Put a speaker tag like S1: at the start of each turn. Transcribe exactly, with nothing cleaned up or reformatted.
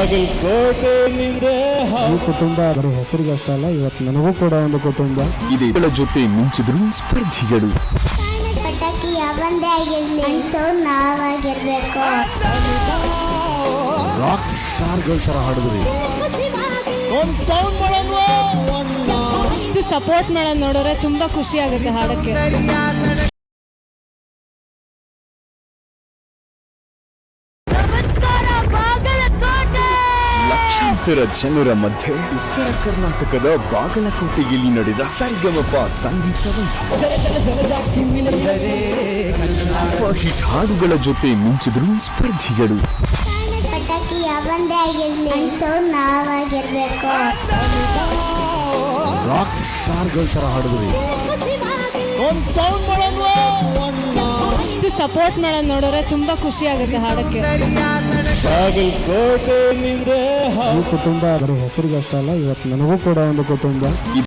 S1: ಈ ಕುಟುಂಬ ಬರೀ ಹೆಸರಿಗೆ ಅಷ್ಟೇ ಅಲ್ಲ, ಇವತ್ತು ನನಗೂ ಕೂಡ ಒಂದು ಕುಟುಂಬ
S2: ಇದೆ. ಇದರ ಜೊತೆ ಮಿಂಚಿದ್ರು ಸ್ಪರ್ಧಿಗಳು.
S3: ಪಟಾಕಿ ಯಾವಂದೇ ಆಗಿರ್ಲಿ ಅನ್ಸೋರ್ ನಾವಾಗಿರ್ಬೇಕು.
S1: ರಾಕ್ ಸ್ಟಾರ್ಗಳ ತರ ಹಾಡಿದ್ರಿ.
S4: ಇಷ್ಟು ಸಪೋರ್ಟ್ ಮಾಡೋದು ನೋಡಿದ್ರೆ ತುಂಬಾ ಖುಷಿ ಆಗುತ್ತೆ ಹಾಡಕ್ಕೆ.
S2: ಲಕ್ಷಾಂತರ ಜನರ ಮಧ್ಯೆ ಉತ್ತರ ಕರ್ನಾಟಕದ ಬಾಗಲಕೋಟೆಯಲ್ಲಿ ನಡೆದ ಸರಿಗಮಪ ಸಂಗೀತ ಹಿಟ್ ಹಾಡುಗಳ ಜೊತೆ ಮಿಂಚಿದ್ರು ಸ್ಪರ್ಧಿಗಳು.
S3: ಪಟಾಕಿ ಯಾವಂದೇ ಆಗಿರ್ಲಿ ಅನ್ಸೋರ್ ನಾವಾಗಿರ್ಬೇಕು.
S1: ರಾಕ್ ಸ್ಟಾರ್ಗಳ ತರ ಹಾಡಿದ್ರಿ.
S4: ಇಷ್ಟು ಸಪೋರ್ಟ್ ಮಾಡೋದು ನೋಡಿದ್ರೆ ತುಂಬಾ ಖುಷಿ ಆಗುತ್ತೆ ಹಾಡಕ್ಕೆ.
S1: ಈ ಕುಟುಂಬ ಬರೀ ಹೆಸರಿಗೆ ಅಷ್ಟೇ ಅಲ್ಲ, ಇವತ್ತು ನನಗೂ ಕೂಡ ಒಂದು ಕುಟುಂಬ